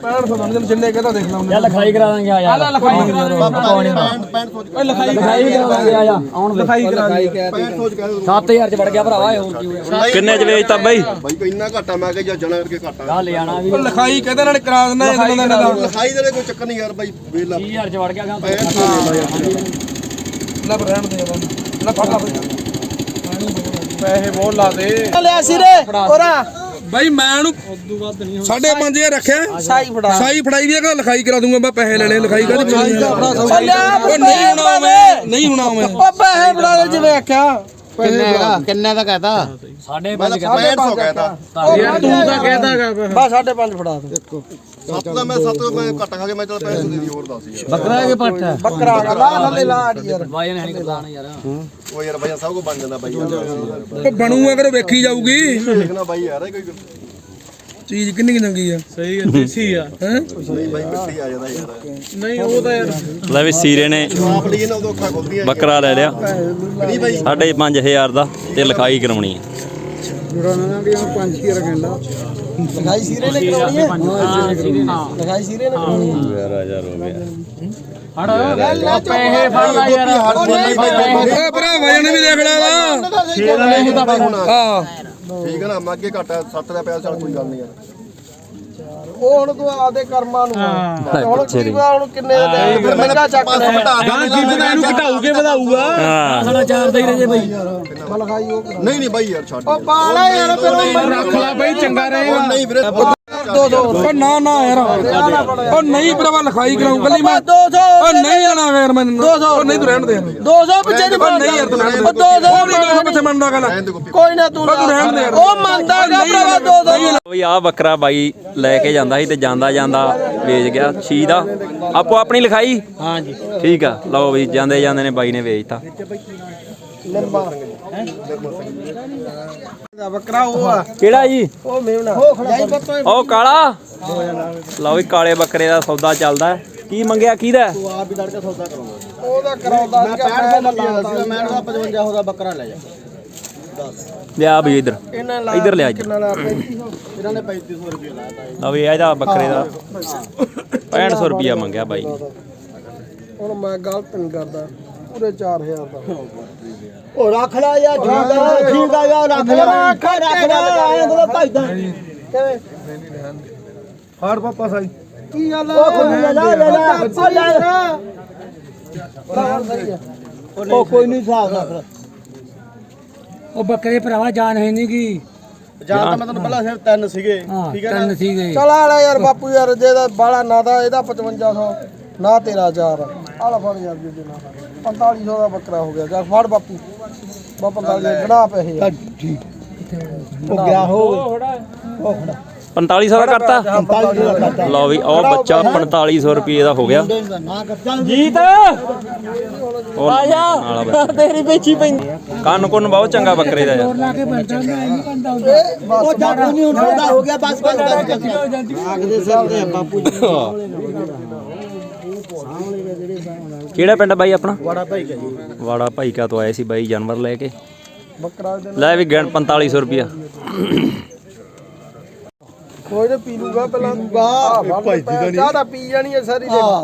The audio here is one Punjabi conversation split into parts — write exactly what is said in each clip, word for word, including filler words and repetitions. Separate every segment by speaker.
Speaker 1: पैंठ सौ जिन्ने कहता देख ला
Speaker 2: यार लिखाई करा देंगे आ यार लिखाई करा देंगे ਓਏ ਲਿਖਾਈ ਲਿਖਾਈ ਕਰਾ ਦੇਂਗੇ ਆ ਜਾ ਆਉਣ ਦੇ ਲਿਖਾਈ ਕਰਾ ਦੇ ਸੱਤ ਹਜ਼ਾਰ ਚ ਵੜ ਗਿਆ ਭਰਾਵਾ ਹੋਰ ਕੀ ਹੋਇਆ
Speaker 3: ਕਿੰਨੇ ਚ ਵੇਚਤਾ ਬਾਈ
Speaker 4: ਬਾਈ ਇੰਨਾ ਘਾਟਾ ਮੈਂ ਕਿਹਾ ਜਾਂ ਜਣਾ ਕਰਕੇ ਘਾਟਾ
Speaker 2: ਆ ਲੈ ਆਣਾ ਵੀ
Speaker 1: ਲਿਖਾਈ ਕਹਿੰਦੇ ਨਾਲ ਕਰਾ ਦਿੰਦਾ ਇਹਨਾਂ ਦਾ
Speaker 4: ਲਿਖਾਈ ਦੇ ਕੋਈ ਚੱਕਰ ਨਹੀਂ ਯਾਰ ਬਾਈ ਵੇਲਾ
Speaker 2: ਤੀਹ ਹਜ਼ਾਰ ਚ ਵੜ ਗਿਆ
Speaker 1: ਲੈ ਰਹਿਣ ਦੇ ਯਾਰ ਲੈ ਫੜ ਲਾ ਪੈਸੇ ਬਹੁਤ ਲਾ ਦੇ ਲਿਆ ਸਿਰੇ ਕੋਰਾ ਬਾਈ ਮੈਂ ਉਹਨੂੰ ਸਾਢੇ ਪੰਜ ਹਜ਼ਾਰ ਰੱਖਿਆ ਸਾਈ ਫੜਾ ਸਾਈ ਫੜਾਈ ਵੀ ਹੈ ਲਿਖਾਈ ਕਰਾ ਦੂੰਗਾ ਮੈਂ ਪੈਸੇ ਲੈਣੇ ਲਿਖਾਈ ਕਾਹਦੀ ਉਹ ਨਹੀਂ ਹੋਣਾ ਮੈਂ ਨਹੀਂ ਹੋਣਾ ਮੈਂ ਉਹ ਪੈਸੇ ਫੜਾ ਦੇ ਜਿਵੇਂ ਆਖਿਆ
Speaker 5: ਕਿੰਨੇ ਦਾ ਕਿੰਨੇ ਦਾ ਕਹਤਾ
Speaker 2: ਸਾਢੇ ਪੰਜ
Speaker 4: ਪੈਂਹਠ ਸੌ ਕਹਿਤਾ
Speaker 1: ਯਾਰ ਤੂੰ ਤਾਂ ਕਹਿਦਾਗਾ ਬਸ ਸਾਢੇ ਪੰਜ ਫੜਾ ਦੇ ਦੇਖੋ
Speaker 4: ਸੱਤ ਦਾ ਮੈਂ ਸੱਤ ਮੈਂ ਘੱਟ ਖਾ ਕੇ ਮੈਂ ਚਲ ਪੈਸੇ ਦੇ ਦੀ ਹੋਰ ਦੱਸ ਯਾਰ
Speaker 2: ਬੱਕਰਾ ਕੇ ਪੱਠ
Speaker 1: ਬੱਕਰਾ ਲਾ ਥੱਲੇ ਲਾ ਯਾਰ
Speaker 2: ਵਾਜਨ ਹੈ ਨਹੀਂ ਕਰਦਾ ਯਾਰ
Speaker 4: ਉਹ ਯਾਰ ਬਾਈ ਸਭ ਕੋ ਬਣ ਜਾਂਦਾ ਬਾਈ ਯਾਰ
Speaker 1: ਉਹ ਬਣੂਗਾ ਕਰੋ ਵੇਖੀ ਜਾਊਗੀ
Speaker 4: ਦੇਖਣਾ ਬਾਈ ਯਾਰ ਕੋਈ
Speaker 1: ਚੀਜ਼ ਕਿੰਨੀ ਚੰਗੀ ਆ
Speaker 5: ਸਹੀ ਹੈ ਦੇਸੀ ਆ
Speaker 1: ਹੈ
Speaker 4: ਨਹੀਂ ਬਾਈ ਮਿੱਟੀ ਆ ਜਾਂਦਾ ਯਾਰ
Speaker 5: ਨਹੀਂ ਉਹ ਤਾਂ ਯਾਰ
Speaker 3: ਲੈ ਵੀ ਸੀਰੇ ਨੇ
Speaker 4: ਆਪ ਲਈ ਨਾ ਉਦੋਂ ਅੱਖਾਂ ਖੁੱਲਦੀਆਂ
Speaker 3: ਬੱਕਰਾ ਲੈ ਲਿਆ
Speaker 4: ਨਹੀਂ ਬਾਈ
Speaker 3: ਸਾਢੇ ਪੰਜ ਹਜ਼ਾਰ ਦਾ ਤੇ ਲਿਖਾਈ ਕਰਾਉਣੀ ਹੈ
Speaker 1: ਲਿਖਾਈ ਸੀਰੇ ਨੇ ਕਰਾਉਣੀ ਹੈ ਲਿਖਾਈ ਸੀਰੇ ਨੇ ਕਰਾਉਣੀ ਹੈ
Speaker 3: ਯਾਰ ਹਜ਼ਾਰ ਹੋ ਗਿਆ
Speaker 2: ਹੜ ਪੈਸੇ ਫੜ ਲੈ ਯਾਰ
Speaker 1: ਓ ਭਰਾ ਵਜਨ ਵੀ ਦੇਖ ਲੈ ਵਾ
Speaker 4: ਛੇ ਦਾ ਨਹੀਂ ਹੁੰਦਾ ਬਾਈ ਹੁਣ
Speaker 1: ਹਾਂ
Speaker 4: ਠੀਕ ਹੈ ਨਾ ਮੈਂ ਅੱਗੇ ਘੱਟਾ ਸੱਤ ਦਾ ਪਿਆ ਚੱਲ ਕੋਈ ਗੱਲ ਨਹੀਂ ਯਾਰ
Speaker 1: ਉਹ ਹੁਣ ਤੂੰ ਆਪਦੇ ਕਰਮਾਂ ਨੂੰ ਹੁਣ ਕੀ ਹੁਣ ਕਿੰਨੇ ਦੇ ਫਿਰ ਮਹਿੰਗਾ ਚੱਕ ਲੈ
Speaker 5: ਗਾਂ ਕੀ ਪਤਾ ਇਹਨੂੰ ਘਟਾਊਗੇ ਵਧਾਊਗਾ
Speaker 3: ਹਾਂ
Speaker 2: ਸਾਡਾ ਚਾਰ ਦਾ ਹੀ ਰਹੇ ਬਈ
Speaker 1: ਲਿਖਾਈ ਉਹ
Speaker 4: ਨਹੀਂ ਨਹੀਂ ਬਾਈ ਯਾਰ ਛੱਡ
Speaker 1: ਉਹ ਪਾਲਾ ਯਾਰ ਫਿਰ
Speaker 5: ਰੱਖ ਲੈ ਬਈ ਚੰਗਾ ਰਹੇ
Speaker 4: ਉਹ ਨਹੀਂ ਵੀਰੇ
Speaker 1: ਦੋ ਦੋ ਉਹ ਨਾ ਨਾ ਯਾਰ ਉਹ ਨਹੀਂ ਭਰਾਵਾ ਲਿਖਾਈ ਕਰਾਉਂ ਕੱਲੀ ਮੈਂ ਦੋ ਸੌ ਉਹ ਨਹੀਂ ਆਣਾ ਯਾਰ ਮੈਨੂੰ ਦੋ ਸੌ ਉਹ ਨਹੀਂ ਤੂੰ ਰਹਿਣ ਦੇ ਦੋ ਸੌ ਪਿੱਛੇ ਨਹੀਂ ਨਹੀਂ ਯਾਰ ਤੂੰ ਰਹਿਣ ਦੇ ਦੋ ਸੌ ਨਹੀਂ ਪਿੱਛੇ ਮੰਨਦਾ ਗੱਲ ਕੋਈ ਨਾ ਤੂੰ ਰਹਿਣ ਦੇ ਉਹ ਮੰਨਦਾਗਾ ਭਰਾਵਾ ਦੋ ਦੋ
Speaker 3: ਬਈ ਆ ਬੱਕਰਾ ਬਾਈ ਲੈ ਕੇ ਜਾਂਦਾ ਸੀ ਤੇ ਜਾਂਦਾ ਜਾਂਦਾ ਵੇਚ ਗਿਆ ਛੀ ਦਾ ਆਪੋ ਆਪਣੀ ਲਿਖਾਈ
Speaker 2: ਹਾਂਜੀ
Speaker 3: ਠੀਕ ਆ ਲਓ ਬਈ ਜਾਂਦੇ ਜਾਂਦੇ ਨੇ ਬਾਈ ਨੇ ਵੇਚਤਾ
Speaker 1: ਦਾ ਬੱਕਰਾ ਉਹ ਆ
Speaker 3: ਕਿਹੜਾ ਜੀ
Speaker 1: ਉਹ ਮੇਵਣਾ
Speaker 3: ਉਹ ਕਾਲਾ ਲਓ ਵੀ ਕਾਲੇ ਬੱਕਰੇ ਦਾ ਸੌਦਾ ਚੱਲਦਾ ਕੀ ਮੰਗਿਆ ਕਿਹਦਾ
Speaker 4: ਤੂੰ ਆਪ ਹੀ ਲੜਕੇ ਸੌਦਾ ਕਰੂੰਗਾ
Speaker 1: ਉਹਦਾ ਕਰਾਉਂਦਾ
Speaker 4: ਮੈਂ ਪੈਂਹਠ ਦਾ ਲਾਤਾ ਮੈਂ ਉਹਦਾ ਪਚਵੰਜਾ ਦਾ ਬੱਕਰਾ ਲੈ ਜਾ ਦੱਸ
Speaker 3: ਲਿਆ ਵੀ ਇਧਰ
Speaker 1: ਇਹਨਾਂ ਲਾ
Speaker 3: ਇੱਧਰ ਲਿਆ ਇੱਧਰ
Speaker 1: ਕਿੰਨਾ ਲਾ ਪੈਂਤੀ ਸੌ
Speaker 4: ਇਹਨਾਂ ਨੇ ਪੈਂਤੀ ਸੌ ਰੁਪਏ ਲਾਤਾ
Speaker 3: ਲਓ ਵੀ ਇਹਦਾ ਬੱਕਰੇ ਦਾ ਪੈਂਹਠ ਸੌ ਰੁਪਿਆ ਮੰਗਿਆ ਬਾਈ
Speaker 1: ਹੁਣ ਮੈਂ ਗਲਤ ਨਹੀਂ ਕਰਦਾ ਪੂਰੇ ਚਾਰ ਹਜ਼ਾਰ ਦਾ
Speaker 4: ਉਹ ਰੱਖ ਲੈ ਯਾਰ ਠੀਕ ਆ ਠੀਕ ਆ ਯਾਰ ਰੱਖ ਲੈ ਰੱਖ ਲੈ ਆਏ ਤਾਂ ਭਜਦਾ
Speaker 1: ਕਿਵੇਂ ਫੜ ਪਾਪਾ ਸਾਈ ਕੀ ਗੱਲ
Speaker 4: ਉਹ ਖੁੱਲੀ ਲੈ ਜਾ ਲੈ ਜਾ ਉਹ ਕੋਈ ਨਹੀਂ ਹਿਸਾਬ ਰੱਖ
Speaker 2: ਉਹ ਬੱਕਰੇ ਭਰਾਵਾ ਜਾਨ ਹੈ ਨਹੀਂ ਕੀ
Speaker 4: ਜਾਂ ਤਾਂ ਮੈਂ ਤੈਨੂੰ ਪਹਿਲਾਂ ਸਿਰ ਤਿੰਨ ਸੀਗੇ ਠੀਕ ਹੈ
Speaker 2: ਤਿੰਨ ਸੀਗੇ
Speaker 1: ਚਲ ਆਲਾ ਯਾਰ ਬਾਪੂ ਯਾਰ ਜਿਹਦਾ ਬਾਲਾ ਨਾ ਦਾ ਇਹਦਾ ਪਚਵੰਜਾ ਸੌ ਨਾ ਤੇਰਾ ਚਾਰ ਆਲਾ ਫੜ ਯਾਰ ਜੀ ਦੇ ਨਾਲ ਪੰਤਾਲੀ ਸੌ ਦਾ ਬੱਕਰਾ ਹੋ ਗਿਆ ਜਾ ਫੜ ਬਾਪੂ ਬਾ ਪੰਤਾਲੀ ਗਣਾ ਪੈਸੇ ਯਾਰ
Speaker 4: ਠੀਕ ਉਹ ਗਿਆ ਹੋ ਉਹ ਖੜਾ
Speaker 3: ਪੰਤਾਲੀ ਸੌ ਦਾ ਕਰਤਾ
Speaker 4: ਪੰਤਾਲੀ ਸੌ ਦਾ ਕਰਤਾ
Speaker 3: ਲਓ ਵੀ ਉਹ ਬੱਚਾ ਪੰਤਾਲੀ ਸੌ ਰੁਪਏ ਦਾ ਹੋ ਗਿਆ
Speaker 4: ਨਾ ਕਰ ਚੱਲ
Speaker 3: ਜੀਤ ਆਜਾ
Speaker 2: ਤੇਰੀ ਵੇਚੀ ਪੈਂਦੀ
Speaker 3: ਕੰਨ ਕੁੰਨ ਬਹੁਤ ਚੰਗਾ ਬੱਕਰੇ ਦਾ ਯਾਰ
Speaker 2: ਲਾ ਕੇ ਬੰਦਾ ਨਹੀਂ ਬੰਦਾ
Speaker 4: ਉਹ ਜਾਦੂ ਨਹੀਂ ਹੁੰਦਾ ਹੋ ਗਿਆ ਬਸ ਬਸ ਆਗਦੇ ਸਾਹਮਣੇ ਬਾਪੂ ਜੀ
Speaker 3: ਕਿਹੜਾ ਪਿੰਡ ਬਾਈ ਆਪਣਾ
Speaker 4: ਬੜਾ ਭਾਈ ਕਾ ਜੀ
Speaker 3: ਵਾੜਾ ਭਾਈ ਕਾ ਤੋਂ ਆਏ ਸੀ ਬਾਈ ਜਾਨਵਰ ਲੈ ਕੇ
Speaker 1: ਬੱਕਰਾ ਦੇ
Speaker 3: ਲੈ ਵੀ ਗਿਣ ਪੰਤਾਲੀ ਸੌ ਰੁਪਿਆ
Speaker 1: ਕੋਈ ਨਾ ਪੀ ਲੂਗਾ ਪਹਿਲਾਂ ਲੂਗਾ ਭਾਈ ਜੀ ਦਾ ਨਹੀਂ ਚਾਹ ਤਾਂ ਪੀ ਜਾਣੀ ਹੈ ਸਾਰੀ ਦੇ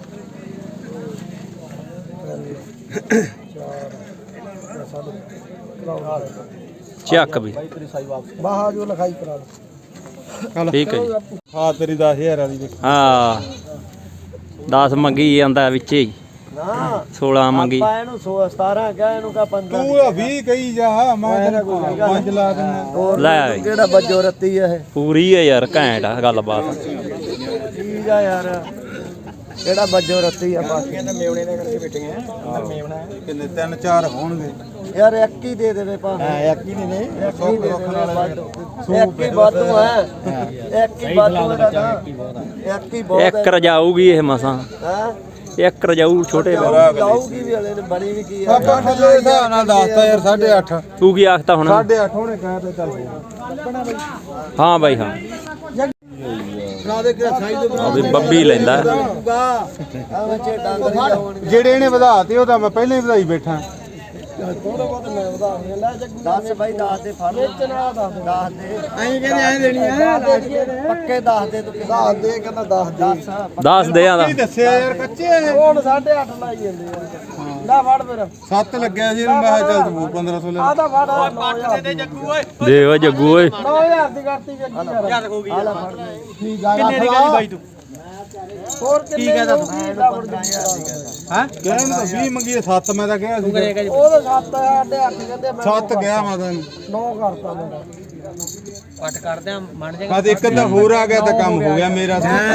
Speaker 3: ਚੱਕ ਵੀ
Speaker 1: ਬਾਹਾ ਜੋ ਲਿਖਾਈ ਕਰਾ ਲਓ
Speaker 3: ਠੀਕ ਹੈ ਜੀ
Speaker 5: ਹਾਂ ਤੇਰੀ ਦਸ ਹਜ਼ਾਰ ਵਾਲੀ ਦੇਖ
Speaker 3: ਹਾਂ ਦਸ ਮੰਗੀ ਜਾਂਦਾ ਵਿੱਚੇ ਹੀ
Speaker 4: ਨਾ
Speaker 3: ਸੋਲਾਂ ਮੰਗੀ
Speaker 4: ਇਹਨੂੰ ਸਤਾਰਾਂ ਕਹ ਇਹਨੂੰ ਕਹ ਪੰਦਰਾਂ
Speaker 5: ਤੂੰ ਆ ਵੀਹ ਕਹੀ ਜਾ ਮੈਂ ਤੈਨੂੰ ਪੰਜ ਲਾ ਦਿੰਦਾ
Speaker 3: ਲੈ ਵੀ
Speaker 4: ਕਿਹੜਾ ਬੱਜੋ ਰੱਤੀ ਆ ਇਹ
Speaker 3: ਪੂਰੀ ਹੈ ਯਾਰ ਘੈਂਟ ਆ ਗੱਲਬਾਤ
Speaker 4: ਠੀਕ ਆ ਯਾਰ ਕਿਹੜਾ ਬੱਜੋ ਰੱਤੀ ਆ ਬਾਕੀ ਕਹਿੰਦਾ ਮੇਵਣੇ ਨੇ ਕਰਕੇ ਬੈਠੇ ਆ ਮੇਵਣਾ
Speaker 5: ਕਿੰਨੇ ਤਿੰਨ ਚਾਰ ਹੋਣਗੇ
Speaker 4: ਯਾਰ ਇੱਕ ਹੀ ਦੇ ਦੇਵੇ ਪਾ ਹਾਂ ਇੱਕ ਹੀ ਨੇ ਇੱਕ ਹੀ ਦੇ ਦੇਵੇ ਇੱਕ ਹੀ ਵਾਧੂ ਹੈ ਇੱਕ ਹੀ ਵਾਧੂ ਹੈ ਨਾ ਇੱਕ ਹੀ ਬਹੁਤ
Speaker 3: ਇੱਕ ਰਜਾਊਗੀ ਇਹ ਮਸਾਂ
Speaker 4: ਹੈ
Speaker 3: ਇੱਕ ਰਜਾਊ ਛੋਟੇ
Speaker 4: ਜਾਊਗੀ ਵੀ ਹਲੇ ਬਣੀ ਵੀ ਕੀ ਆ
Speaker 5: ਆਪਾਂ ਦੇ ਹਿਸਾਬ ਨਾਲ ਦੱਸਤਾ ਯਾਰ ਸਾਢੇ ਅੱਠ
Speaker 3: ਤੂੰ ਕੀ ਆਖਤਾ ਹੁਣ
Speaker 5: ਸਾਢੇ ਅੱਠ ਹੋਣੇ ਕਹਿ ਤੇ ਚੱਲ
Speaker 3: ਹਾਂ ਬਾਈ ਹਾਂ
Speaker 4: ਬਣਾ ਦੇ ਕਿਹੜਾ ਸਾਈਜ਼ ਦੇ
Speaker 3: ਆ ਵੀ ਬੱਬੀ ਲੈਂਦਾ
Speaker 4: ਆ ਬੱਚੇ ਡੰਗ ਨਹੀਂ ਜਾਉਣਗੇ
Speaker 5: ਜਿਹੜੇ ਇਹਨੇ ਵਧਾਤੇ ਉਹ ਤਾਂ ਮੈਂ ਪਹਿਲਾਂ ਹੀ ਵਧਾਈ ਬੈਠਾ
Speaker 4: ਥੋੜਾ ਬਹੁਤ ਮੈਂ ਵਧਾ ਦਿਆਂ ਲੈ ਜੱਗੂ ਦਸ ਬਾਈ ਦਸ ਦੇ ਫੜ ਵੇਚਣਾ ਦਸ ਦਸ ਦੇ ਐਂ ਕਹਿੰਦੇ ਐਂ ਦੇਣੀ ਆ ਪੱਕੇ ਦਸ ਦੇ ਤੂੰ ਦਸ ਦੇ ਕਹਿੰਦਾ ਦਸ ਦੇ
Speaker 3: ਦੱਸ ਦੇ ਆਂਦਾ
Speaker 5: ਕੀ ਦੱਸਿਆ ਯਾਰ ਕੱਚੇ
Speaker 4: ਹੁਣ ਸਾਢੇ ਅੱਠ ਲਾਈ ਜਾਂਦੇ ਯਾਰ ਲੈ ਫੜ ਫਿਰ
Speaker 5: ਸੱਤ ਲੱਗਿਆ ਸੀ ਮੈਂ ਕਿਹਾ ਚੱਲ ਤੂੰ ਪੰਦਰਾਂ ਸੌ ਲੈ
Speaker 4: ਆ ਤਾਂ ਫੜ ਨੌ ਹਜ਼ਾਰ ਦੇ ਜੱਗੂ ਓਏ
Speaker 3: ਦੇ ਓ ਜੱਗੂ ਓਏ
Speaker 4: ਨੌ ਹਜ਼ਾਰ ਦੀ ਕਰਤੀ ਜੱਗੂ ਯਾਰ ਯਾਦ ਹੋ ਗਈ ਆ ਲੈ ਫੜ ਠੀਕ ਆ ਕਿੰਨੇ ਦੀ ਕਹੀ ਬਾਈ ਤੂੰ ਹੋਰ ਕਿੰਨੇ ਕਹਦਾ ਤੂੰ
Speaker 5: ਹਾਂ ਕਹਿਣ ਨੂੰ ਤਾਂ ਵੀਹ ਮੰਗੀ ਸੱਤ ਮੈਂ ਤਾਂ ਕਿਹਾ ਸੀ
Speaker 4: ਉਹ ਤਾਂ ਸੱਤ ਸਾਢੇ ਅੱਠ ਕਹਿੰਦੇ ਮੈਂ
Speaker 5: ਸੱਤ ਗਿਆ ਮੈਂ ਤਾਂ
Speaker 4: ਨੌ ਕਰਤਾ ਮੇਰਾ
Speaker 2: ਪੱਟ ਕਰਦੇ ਆ ਮੰਨ ਜਾ
Speaker 5: ਬਸ ਇੱਕ ਤਾਂ ਹੋਰ ਆ ਗਿਆ ਤਾਂ ਕੰਮ ਹੋ ਗਿਆ ਮੇਰਾ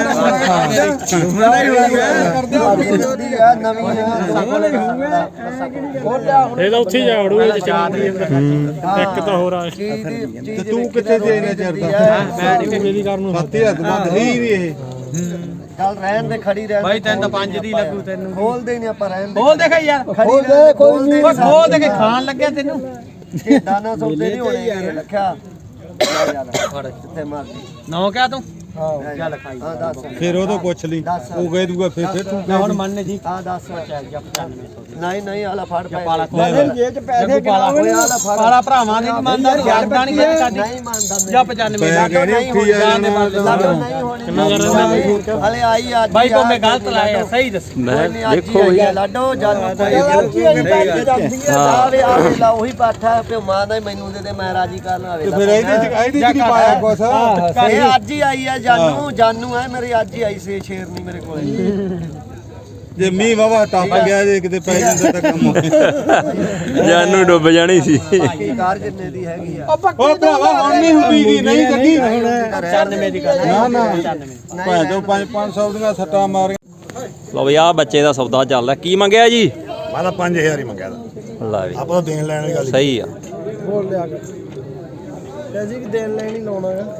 Speaker 4: ਇਹਦਾ ਉੱਥੇ ਜਾ ਵੜੂ ਇਹ ਚਾਰ
Speaker 2: ਇੱਕ ਤਾਂ ਹੋਰ ਆ
Speaker 5: ਤੇ ਤੂੰ ਕਿੱਥੇ ਦੇ ਨੇ ਚਿਰ ਦਾ
Speaker 2: ਮੈਂ ਨਹੀਂ ਮੇਰੀ ਕਰਨ ਨੂੰ
Speaker 5: ਸੱਤ ਹਜ਼ਾਰ ਤੋਂ ਵੱਧ ਹੀ ਨਹੀਂ ਇਹ
Speaker 4: ਚੱਲ ਰਹਿਣ ਦੇ ਖੜੀ ਰਹਿਣ
Speaker 2: ਬਾਈ ਤੈਨੂੰ ਤਾਂ ਪੰਜ ਦੀ ਲੱਗੂ ਤੈਨੂੰ
Speaker 4: ਖੋਲ ਦੇ ਨਹੀਂ ਆਪਾਂ ਰਹਿਣ ਦੇ
Speaker 2: ਬੋਲ ਦੇਖ ਯਾਰ
Speaker 4: ਖੜੀ ਦੇ ਕੋਈ ਨਹੀਂ
Speaker 2: ਓਏ ਖੋਲ ਦੇ ਕੇ ਖਾਣ ਲੱਗਿਆ ਤੈਨੂੰ
Speaker 4: ਇਹ ਦਾਣਾ ਸੌਦੇ ਨਹੀਂ ਹੋਣੇ ਰੱਖਿਆ ਫੜ ਕਿੱਥੇ ਮਾਰਦੀ
Speaker 2: ਨੌ ਕਿਆ ਤੂੰ
Speaker 4: ਹਾਂ ਚੱਲ ਖਾਈ ਹਾਂ ਦੱਸ
Speaker 5: ਫਿਰ ਉਹ ਤੋਂ ਪੁੱਛ ਲਈ ਉਹ ਕਹਿ ਦੂਗਾ ਫਿਰ ਫਿਰ ਤੂੰ
Speaker 2: ਮੈਂ ਹੁਣ ਮੰਨ ਜੀ
Speaker 4: ਹਾਂ ਦੱਸ ਨਹੀਂ ਨਹੀਂ ਆਲਾ ਫੜ ਪੈ
Speaker 2: ਪਾਲਾ
Speaker 4: ਜੇ ਚ ਪੈਸੇ ਕਿਨਾਵੇ ਆਲਾ ਫੜ
Speaker 2: ਪਾਲਾ ਭਰਾਵਾਂ ਦੀ ਮੰਨਦਾ ਯਾਰਦਾ ਨਹੀਂ ਕਦੇ ਸਾਡੀ
Speaker 4: ਨਹੀਂ ਮੰਨਦਾ
Speaker 2: ਜਾਂ ਪਚਾਨਵੇਂ
Speaker 5: ਮੈਂ ਕਹਿ ਰਿਹਾ ਉੱਠੀ ਆ
Speaker 4: ਨਹੀਂ ਹੋਣੀ ਹਲੇ ਆਈ ਅੱਜ
Speaker 2: ਬਾਈ ਕੋ ਮੈਂ ਗਲਤ ਲਾਇਆ ਸਹੀ ਦੱਸ
Speaker 3: ਮੈਂ
Speaker 4: ਦੇਖੋ
Speaker 3: ਦੇਖੋ ਬਈ
Speaker 4: ਲਾਡੋ ਜਾਨੂ ਕੋਈ ਆਵੇ ਆਵੇ ਲਾ ਉਹੀ ਪਾਠਾ ਪਿਓ ਮਾਂ ਦਾ ਮੈਨੂੰ ਦੇ ਦੇ ਮੈਂ ਰਾਜੀ ਕਰਨ ਆਵੇ
Speaker 5: ਫਿਰ ਇਹਦੇ ਚ ਇਹਦੇ ਚ ਨਹੀਂ ਪਾਇਆ ਕੁਛ
Speaker 4: ਇਹ ਅੱਜ ਹੀ ਆਈ ਹੈ ਜਾਨੂ ਜਾਨੂ ਹੈ ਮੇਰੀ ਅੱਜ ਹੀ ਆਈ ਸੀ ਸ਼ੇਰ ਨਹੀਂ ਮੇਰੇ ਕੋਲੇ
Speaker 5: ਜੇ ਮੀਂਹ ਵਾਵਾ ਟੱਪ ਗਿਆ ਜੇ ਕਿਤੇ ਪੈ ਜਾਂਦਾ ਤਾਂ ਕੰਮ
Speaker 3: ਜਾਨੂ ਡੁੱਬ ਜਾਣੀ ਸੀ
Speaker 4: ਬਾਕੀ ਕਾਰ ਜਿੰਨੇ ਦੀ ਹੈਗੀ ਆ
Speaker 5: ਉਹ ਭਰਾਵਾ ਹੁਣ ਨਹੀਂ ਹੁੰਦੀ ਦੀ ਨਹੀਂ ਜੱਗੀ
Speaker 2: ਪਚਾਨਵੇਂ ਦੀ ਗੱਲ
Speaker 5: ਨਾ ਨਾ ਭਾਂ ਜੋ ਪੰਜ ਪੰਜ ਸੌ ਦੀਆਂ ਸੱਟਾਂ ਮਾਰੀਆਂ
Speaker 3: ਲਓ ਬਈ ਆ ਬੱਚੇ ਦਾ ਸੌਦਾ ਚੱਲਦਾ ਕੀ ਮੰਗਿਆ ਜੀ
Speaker 6: ਮੈਂ ਤਾਂ ਪੰਜ ਹਜ਼ਾਰ ਹੀ ਮੰਗਿਆ ਦਾ
Speaker 3: ਲਾ ਵੀ
Speaker 6: ਆਪਾਂ ਤਾਂ ਦੇਣ ਲੈਣ ਵਾਲੀ ਗੱਲ
Speaker 3: ਸਹੀ ਆ
Speaker 4: ਬੋਲ ਲਿਆ ਕੇ ਪੈਸੇ ਕਿ ਦੇਣ ਲੈਣ ਹੀ ਲਾਉਣਾ ਹੈ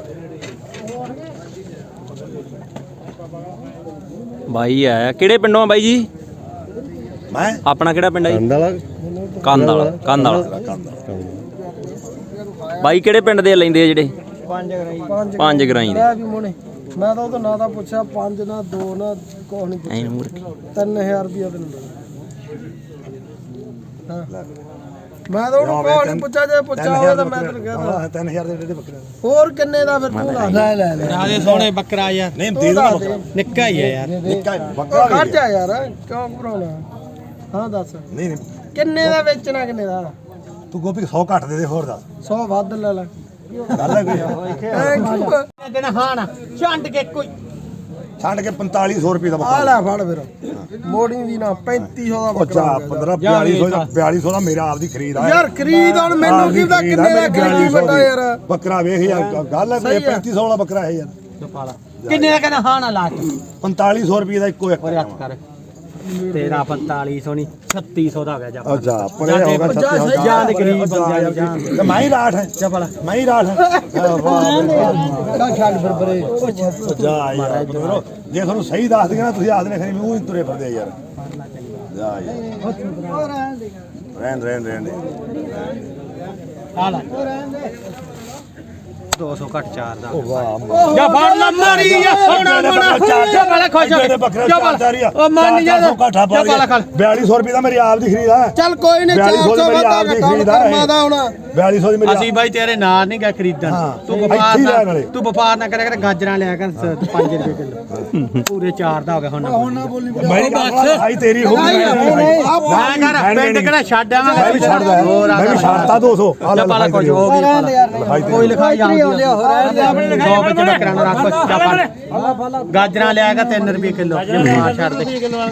Speaker 3: ਬਾਈ ਆਇਆ ਕਿਹੜੇ ਪਿੰਡੋਂ ਆ ਬਾਈ ਜੀ
Speaker 6: ਮੈਂ
Speaker 3: ਆਪਣਾ ਕਿਹੜਾ ਪਿੰਡ ਹੈ ਜੀ ਕੰਧ ਵਾਲਾ ਕੰਧ ਵਾਲਾ ਬਾਈ ਕਿਹੜੇ ਪਿੰਡ ਦੇ ਲੈਂਦੇ ਆ ਜਿਹੜੇ
Speaker 4: ਪੰਜ ਗਰਾਈ ਪੰਜ
Speaker 3: ਪੰਜ ਗਰਾਈ ਦੇ
Speaker 4: ਲੈ ਵੀ ਮੋਨੇ ਮੈਂ ਤਾਂ ਉਹਦਾ ਨਾਂ ਦਾ ਪੁੱਛਿਆ ਪੰਜ ਨਾ ਦੋ ਨਾ ਕੁਛ ਨਹੀਂ
Speaker 3: ਐਂ ਨੂੰ ਮੁੜ ਕੇ।
Speaker 4: ਤਿੰਨ ਹਜ਼ਾਰ ਰੁਪਇਆ ਤੈਨੂੰ ਦੇ ਹਾਂ ਮੈਂ ਤਾਂ ਉਹਨੂੰ ਕੋਈ ਨਹੀਂ ਪੁੱਛਿਆ ਜੇ ਪੁੱਛਿਆ ਹੋਵੇ ਤਾਂ ਮੈਂ ਤੈਨੂੰ ਕਹਿ
Speaker 6: ਤਿੰਨ ਹਜ਼ਾਰ ਦੇ ਡੇਢ ਬੱਕਰੇ
Speaker 4: ਹੋਰ ਕਿੰਨੇ ਦਾ ਫਿਰ ਤੂੰ ਦੱਸ ਲੈ ਲੈ ਲੈ
Speaker 2: ਰਾਜੇ ਸੋਹਣੇ ਬੱਕਰਾ ਯਾਰ
Speaker 6: ਨਹੀਂ ਦੇ ਦੂੰਗਾ ਬੱਕਰਾ
Speaker 2: ਨਿੱਕਾ ਹੀ ਆ ਯਾਰ
Speaker 6: ਨਿੱਕਾ ਹੀ, ਬੱਕਰਾ
Speaker 4: ਖੜ
Speaker 6: ਵੀ
Speaker 4: ਜਾ ਯਾਰ ਕਿਉਂ ਘਬਰਾਉਣਾ ਹਾਂ ਦੱਸ
Speaker 6: ਨਹੀਂ ਨਹੀਂ
Speaker 4: ਕਿੰਨੇ ਦਾ ਵੇਚਣਾ ਕਿੰਨੇ ਦਾ
Speaker 6: ਤੂੰ ਗੋਪੀ ਸੌ ਘੱਟ ਦੇ ਦੇ ਹੋਰ ਦੱਸ
Speaker 4: ਸੌ ਵੱਧ ਲੈ ਲੈ
Speaker 6: ਗੱਲ ਹੈ ਕੋਈ
Speaker 2: ਦਿਨ ਹਾਣਾ ਛੰਡ ਕੇ ਕੋਈ
Speaker 6: ਛੱਡ ਕੇ ਪੰਤਾਲੀ ਸੌ ਰੁਪਏ ਦਾ
Speaker 4: ਆ
Speaker 6: ਬੱਕਰਾ
Speaker 4: ਲੈ ਫੜ ਫਿਰ ਮੋੜੀ ਦੀ ਨਾ ਪੈਂਤੀ ਸੌ ਦਾ
Speaker 6: ਉਹ
Speaker 4: ਬੱਕਰਾ
Speaker 6: ਚਾ
Speaker 4: ਹੋ ਗਿਆ।
Speaker 6: ਪੰਦਰਾਂ ਬਿਆਲੀ ਸੌ ਦਾ ਬਿਆਲੀ ਸੌ ਦਾ ਮੇਰਾ ਆਪ ਦੀ ਖਰੀਦ ਆ
Speaker 4: ਯਾਰ ਖਰੀਦ ਹੁਣ ਮੈਨੂੰ ਕੀ ਪਤਾ ਕਿੰਨੇ ਦਾ ਖਰੀਦੀ ਵੱਡਾ ਯਾਰ
Speaker 6: ਬੱਕਰਾ ਵੇਖ ਯਾਰ ਗੱਲ ਹੈ
Speaker 4: ਸਹੀ ਆ।
Speaker 6: ਪੈਂਤੀ ਸੌ ਵਾਲਾ ਬੱਕਰਾ ਹੈ ਯਾਰ
Speaker 2: ਕਿੰਨੇ ਦਾ ਕਹਿੰਦਾ ਹਾਣਾ ਲਾ ਕੇ
Speaker 6: ਪੰਤਾਲੀ ਸੌ ਰੁਪਏ ਦਾ ਇੱਕੋ ਇੱਕ
Speaker 2: ਓਰੇ ਹੱਥ ਕਰ ਤੇਰਾ ਪੰਤਾਲੀ ਸੌ ਨਹੀਂ ਛੱਤੀ ਸੌ ਦਾ ਹੋ ਗਿਆ ਜਾ
Speaker 6: ਅੱਛਾ ਪਰੇ ਹੋ ਗਿਆ ਛੱਤੀ ਸੌ
Speaker 2: ਜਾਨ ਗਰੀਬ ਬੰਦਿਆਂ ਦੀ ਜਾਨ
Speaker 6: ਤੇ ਮੈਂ ਹੀ ਰਾਠ ਹੈ
Speaker 2: ਚੱਪਲ
Speaker 6: ਮੈਂ ਹੀ ਰਾਠ ਹੈ
Speaker 4: ਕਿਹੜਾ ਛੱਡ ਫਿਰ ਬਰੇ
Speaker 6: ਜਾ ਯਾਰ ਬਰੋ ਜੇ ਤੁਹਾਨੂੰ ਸਹੀ ਦੱਸ ਦਿਆਂ ਨਾ ਤੁਸੀਂ ਆਖਦੇ ਖਰੀ ਮੂੰਹ ਹੀ ਤੁਰੇ ਫਿਰਦੇ ਯਾਰ ਜਾ ਯਾਰ ਰਹਿਣ ਰਹਿਣ ਰਹਿਣ
Speaker 2: ਆ ਲੈ ਦੋ ਸੌ ਘੱਟ ਚਾਰ ਦਾ
Speaker 6: ਵਾਹ
Speaker 2: ਜਾ ਫੜ ਲਾ ਮਾਰੀ ਜਾ ਸੋਣਾ ਮੋਣਾ ਜਾ ਬੜਾ ਖੁਸ਼ ਹੋ
Speaker 6: ਦੇ ਬੱਕਰੇ
Speaker 2: ਜਾ
Speaker 6: ਚਾਰ ਚਾਰ ਹੀ ਆ
Speaker 2: ਉਹ ਮੰਨ ਜਾ
Speaker 6: ਕਾਠਾ ਪਾ ਗਿਆ ਬਿਆਲੀ ਸੌ ਰੁਪਏ ਦਾ ਮੇਰੀ ਆਪ ਦੀ ਖਰੀਦ ਆ
Speaker 4: ਚੱਲ ਕੋਈ ਨਹੀਂ ਚਾਰ ਸੌ ਵੱਧਾ ਘਟਾਉਣ ਕਰਮਾ ਦਾ ਹੁਣ
Speaker 6: ਬਿਆਲੀ ਸੌ ਦੀ ਮੇਰੀ
Speaker 2: ਅਸੀਂ ਬਾਈ ਤੇਰੇ ਨਾਲ ਨਹੀਂ ਗਾ ਖਰੀਦਣ
Speaker 6: ਹਾਂ।
Speaker 2: ਤੂੰ
Speaker 6: ਇੱਥੇ
Speaker 2: ਵਪਾਰ
Speaker 6: ਹੀ
Speaker 2: ਨਾ
Speaker 6: ਲੈਣ ਵਾਲੇ।
Speaker 2: ਤੂੰ ਵਪਾਰ ਨਾ ਕਰਿਆ ਕਰ ਗਾਜਰਾਂ ਲਿਆ ਕਰ ਪੰਜ ਰੁਪਏ ਕਿਲੋ ਪੂਰੇ ਚਾਰ ਦਾ ਹੋ ਗਿਆ ਹੁਣ ਨਾ ਬੋਲੀ
Speaker 6: ਮੇਰੀ ਗੱਲ ਆਈ ਤੇਰੀ ਹੋ ਗਈ
Speaker 2: ਮੈਂ ਕਰ ਪਿੰਡ ਕਿਹੜਾ ਛੱਡ ਆਵਾਂਗੇ
Speaker 6: ਮੈਂ ਵੀ ਛੱਡਦਾ
Speaker 2: ਹੋਰ ਆ
Speaker 6: ਮੈਂ ਵੀ ਛੱਡਤਾ ਦੋ ਸੌ ਆ
Speaker 2: ਜਾ ਪਾਲਾ ਕੁਝ ਹੋ ਗਈ ਕੋਈ ਲਿਖਾਈ ਆਉਂਦੀ ਦੋ ਵਿੱਚ ਬੱਕਰਾਂ ਨੂੰ ਰੱਖ ਜਾ ਫੜ ਗਾਜਰਾਂ ਲਿਆ ਕਰ ਤਿੰਨ ਰੁਪਏ ਕਿਲੋ ਜੇ ਮਾਰ ਛੱਡ ਦੇ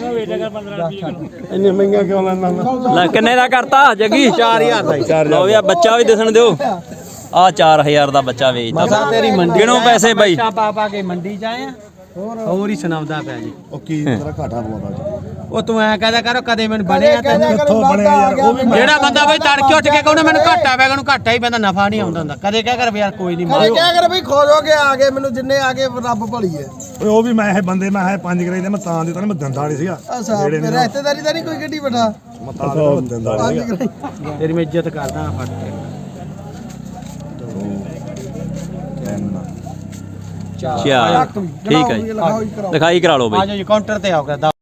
Speaker 6: ਇੰਨੇ ਮਹਿੰਗਾ ਕਿਉਂ ਲੈਂਦਾ
Speaker 3: ਲੈ ਕਿੰਨੇ ਦਾ ਕਰਤਾ ਜੱਗੀ
Speaker 2: ਚਾਰ ਹਜ਼ਾਰ ਦਾ ਹੀ
Speaker 3: ਲਓ ਯਾ ਬੱਚਾ ਵੀ ਦਿਸਣ ਦਿਓ ਆ ਚਾਰ ਹਜ਼ਾਰ ਦਾ ਬੱਚਾ ਵੇਚਦਾ
Speaker 2: ਮਸਾ ਤੇਰੀ ਮੰਡੀ
Speaker 3: ਗਿਣੋ ਪੈਸੇ ਬਾਈ
Speaker 2: ਬੱਚਾ ਪਾ ਪਾ ਕੇ ਮੰਡੀ ਚ ਆਏ ਆ ਹੋਰ ਹੀ ਸੁਣਾਉਂਦਾ ਪਿਆ ਜੀ
Speaker 6: ਉਹ ਕੀ ਤੇਰਾ ਘਾਟਾ ਪਵਾਉਂਦਾ
Speaker 2: ਉਹ ਤੂੰ ਐ ਕਹਦਾ ਕਰੋ ਕਦੇ ਮੈਨੂੰ ਬਣਿਆ ਤੈਨੂੰ
Speaker 6: ਕਿੱਥੋਂ ਬਣਿਆ ਯਾਰ ਉਹ ਵੀ
Speaker 2: ਜਿਹੜਾ ਬੰਦਾ ਬਈ ਤੜਕੇ ਉੱਠ ਕੇ ਕਹੂਣਾ ਮੈਨੂੰ ਘਾਟਾ ਪਿਆ ਉਹਨੂੰ ਘਾਟਾ ਹੀ ਪੈਂਦਾ ਨਫਾ ਨਹੀਂ ਆਉਂਦਾ ਹੁੰਦਾ ਕਦੇ ਕਹਿ ਕਰ ਵੀ ਯਾਰ ਕੋਈ ਨਹੀਂ
Speaker 4: ਕਦੇ ਕਿਆ ਕਰ ਬਈ ਖੋਜ ਹੋ ਕੇ ਆ ਗਏ ਮੈਨੂੰ ਜਿੰਨੇ ਆ ਗਏ ਰੱਬ ਭਲੀ ਹੈ
Speaker 6: ਓਏ ਉਹ ਵੀ ਮੈਂ ਇਹ ਬੰਦੇ ਮੈਂ ਇਹ ਪੰਜ ਕਰਾਈ ਦੇ ਮੈਂ ਤਾਂ ਦਿੱਤਾ ਮੈਂ ਦੰਦਾ ਨਹੀਂ ਸੀਗਾ
Speaker 4: ਅੱਛਾ ਮੇਰੇ ਰਿਸ਼ਤੇਦਾਰੀ ਤਾਂ ਨਹੀਂ ਕੋਈ ਗੱਡੀ ਬਿਠਾ
Speaker 6: ਮੈਂ ਤਾਂ ਦਿੱਤਾ ਦੰਦਾ
Speaker 4: ਪੰਜ
Speaker 6: ਨਹੀਂ
Speaker 4: ਕਰਾਈ
Speaker 2: ਤੇਰੀ ਮੈਂ ਇੱਜ਼ਤ ਕਰਦਾ ਫੜ ਕੇ
Speaker 3: ਚਾਰ ਠੀਕ ਹੈ ਜੀ
Speaker 4: ਲਿਖਾਓ ਹੀ ਕਰਾਓ
Speaker 3: ਲਿਖਾਈ ਕਰਾ ਲਓ
Speaker 2: ਆ
Speaker 3: ਬਾਈ
Speaker 2: ਜਾਓ ਜੀ ਕਾਊਂਟਰ ਤੇ ਆਓ